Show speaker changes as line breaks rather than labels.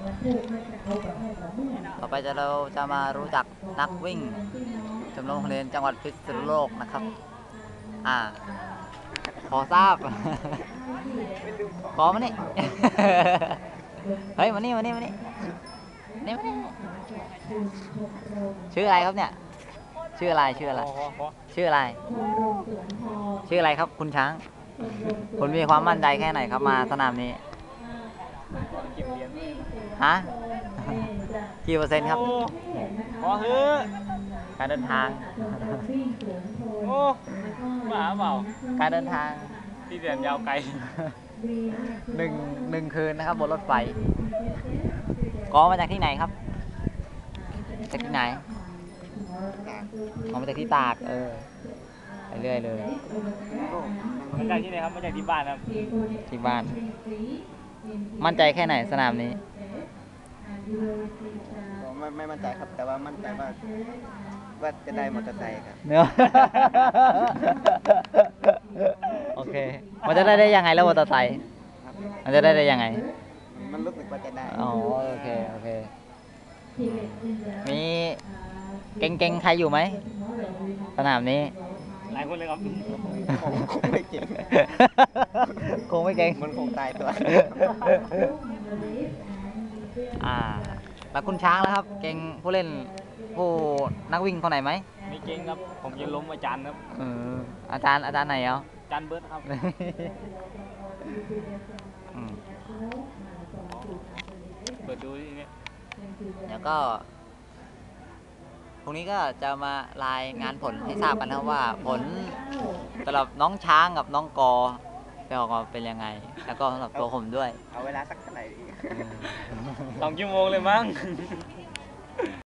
ต่อไปเราจะมารู้จักนักวิ่งชมรมโรงเรียนจังหวัดพิษณุโลกนะครับพอทราบ ขอมานี่ เฮ้ยมานี่ชื่ออะไรครับเนี่ยชื่ออะไรชื่ออะไรครับคุณช้างคุณมีความมั่นใจแค่ไหนครับมาสนามนี้ฮะกี่เปอร์เซ็นต์ครับ
พอเฮ้อ
การเดินทาง
โอ้บ้าเปล่า
การเดินทาง
ที่เดินยาวไกล
หนึ่งคืนนะครับบนรถไฟกอมาจากที่ไหนครับจากที่ไหนมาจากที่ตากไปเรื่อยเลย
มาจากที่ไหนครับมาจากที่บ้านครับ
ที่บ้านมั่นใจแค่ไหนสนามนี้
ไม่มั่นใจครับแต่ว่ามั่นใจว่าจะได้มอเตอร์ไซค์ครับ
เนื้อ โอเคมันจะได้ยังไงแล้วมอเตอร์ไซค์มันจะได้ยังไง
มันรู้สึกว่าจะได้
อ๋อโอเคมีเก่งใครอยู่ไหมสนามนี้
หลายคนเลยครับ
คงไม่เก่ง
คงไม่เก่ง
มันคงตายตัว
แล้วคุณช้างแล้วครับเก่งผู้เล่นผู้นักวิ่งคนไหนไหม
ไม่เก่งครับผมจะล้มอาจารย์ครับ
อาจารย์ไหนอา
จารย์เบิร์ดครับเปิดดูที่นี่
แล้วก็พรุ่งนี้ก็จะมารายงานผลให้ทราบกันนะว่าผลสำหรับน้องช้างกับน้องกอจะออกมาเป็นยังไงแล้วก็สำหรับตัวผมด้วย
เอาเวลาสักเท่าไหร่
2 ชั่วโมงเลยมั้ง